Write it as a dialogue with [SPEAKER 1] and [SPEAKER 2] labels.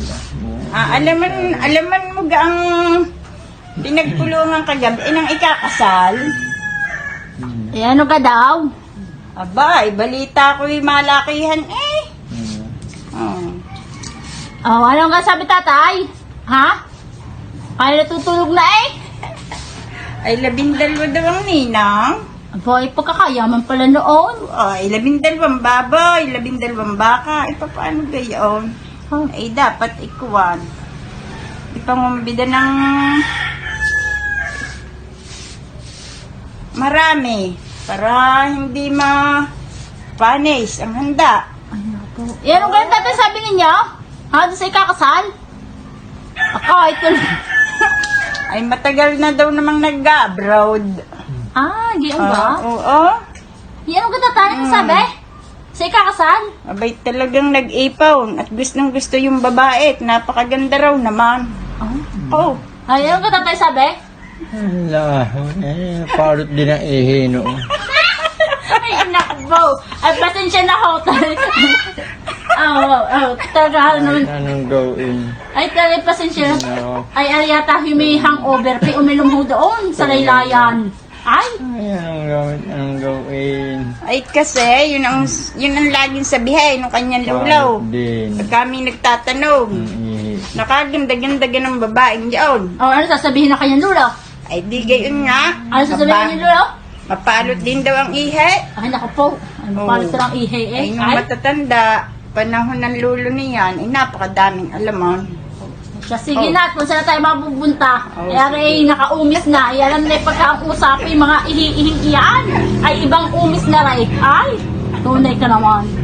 [SPEAKER 1] Alaman mo ang pinagpulungan kagabi nang ikakasal.
[SPEAKER 2] Eh, ano ka daw?
[SPEAKER 1] Aba, balita ko'y malakihan eh.
[SPEAKER 2] Oh, anong ka sabi tatay? Ha? Kaya natutulog na eh?
[SPEAKER 1] Ay, 12 daw ang ninang.
[SPEAKER 2] Aba, pagkakayaman pala noon.
[SPEAKER 1] Ay, 12 baboy, 12 baka. Ay, paano gayon? Ay, dapat ikuwan. Ipangumabida ng marami para hindi panis ang handa.
[SPEAKER 2] Eh, anong ganun tatay sabi ninyo? Ha? Doon sa ikakasal? Ito.
[SPEAKER 1] Ay, matagal na daw namang nag-abroad.
[SPEAKER 2] Diyan ba?
[SPEAKER 1] Oo.
[SPEAKER 2] Di anong ganun tatay? Anong sabi? Sa ikakasal?
[SPEAKER 1] Abay, talagang nag-ipaw at gustong gusto yung babae at napakaganda raw naman. Oh.
[SPEAKER 2] Ay, anong ganun tatay sabi?
[SPEAKER 3] Ala, parot din ang ihi noon.
[SPEAKER 2] Ay, nakbo. Ay, pasensya na ho. Talaga naman.
[SPEAKER 3] Anong gawin?
[SPEAKER 2] Ay, talaga pasensya.
[SPEAKER 3] No.
[SPEAKER 2] Ay, yata may hangover. Pi uminom ho doon sa laylayan. Ay,
[SPEAKER 3] Anong gawin?
[SPEAKER 1] Ay, kasi, yun ang laging sabihin ng kanyang lulaw.
[SPEAKER 3] Parot din.
[SPEAKER 1] Pag kami nagtatanong,
[SPEAKER 3] Ihi.
[SPEAKER 1] nakaganda-ganda ng babaeng diyon.
[SPEAKER 2] ano sasabihin na kanyang lula?
[SPEAKER 1] Ay, di gayon nga.
[SPEAKER 2] Ano sasabihin niya lula?
[SPEAKER 1] Mapalot din daw ang ihe.
[SPEAKER 2] Ay, naku po. Ay, mapalit lang ihe eh.
[SPEAKER 1] Ay, nung matatanda, panahon ng lulo niyan, ay napakadaming alamon.
[SPEAKER 2] Sige na, kung saan na tayo mapupunta. Kaya rin, nakaumis na. Ay, alam na yung pagkausap, yung mga ihi-ihing iyan. Ay, ibang umis na rin. Ay, tunay ka naman.